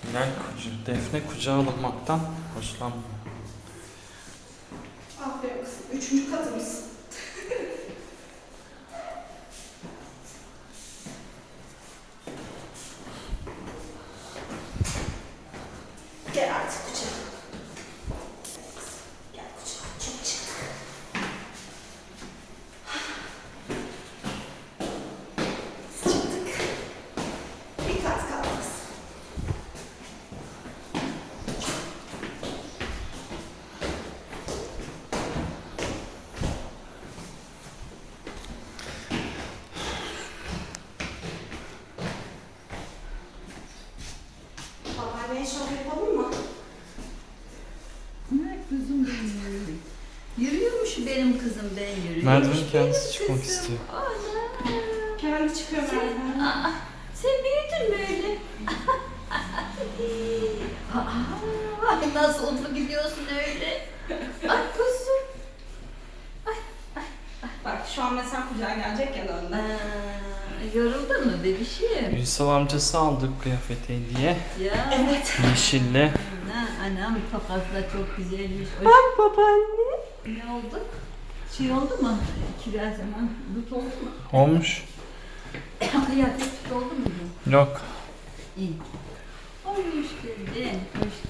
Defne kucağa alınmaktan hoşlanmıyor. Aferin kızım. 3. katımız. Gel artık kucağa. Gel kucağa. Çok çıktık. Çıktık. Bir kat kaldı kızım. Babaanneye şov yapalım mı? Ne kızım benim. Yürüyormuş benim kızım, ben yürüyormuş. Merdiven benim kendisi çıkmak kızım. istiyor. Ana. Kendi çıkıyor merdiven. Aa, sen büyüdün mü öyle? Ay, nasıl mutlu gidiyorsun öyle? Ay kuzum. Bak şu an mesela kucağa gelecek ya da önden. Yoruldun mu bebişim? Ünsal amcası aldı kıyafeti hediye. Ya. Evet. Yeşille. Anam tokası da çok güzelmiş. Bak babaanne. Ne oldu? Şey oldu mu? Kiraz zaman dut oldu mu? Olmuş. Kıyafet dut oldu mu? Yok. İyi. Hoş geldin. Hoş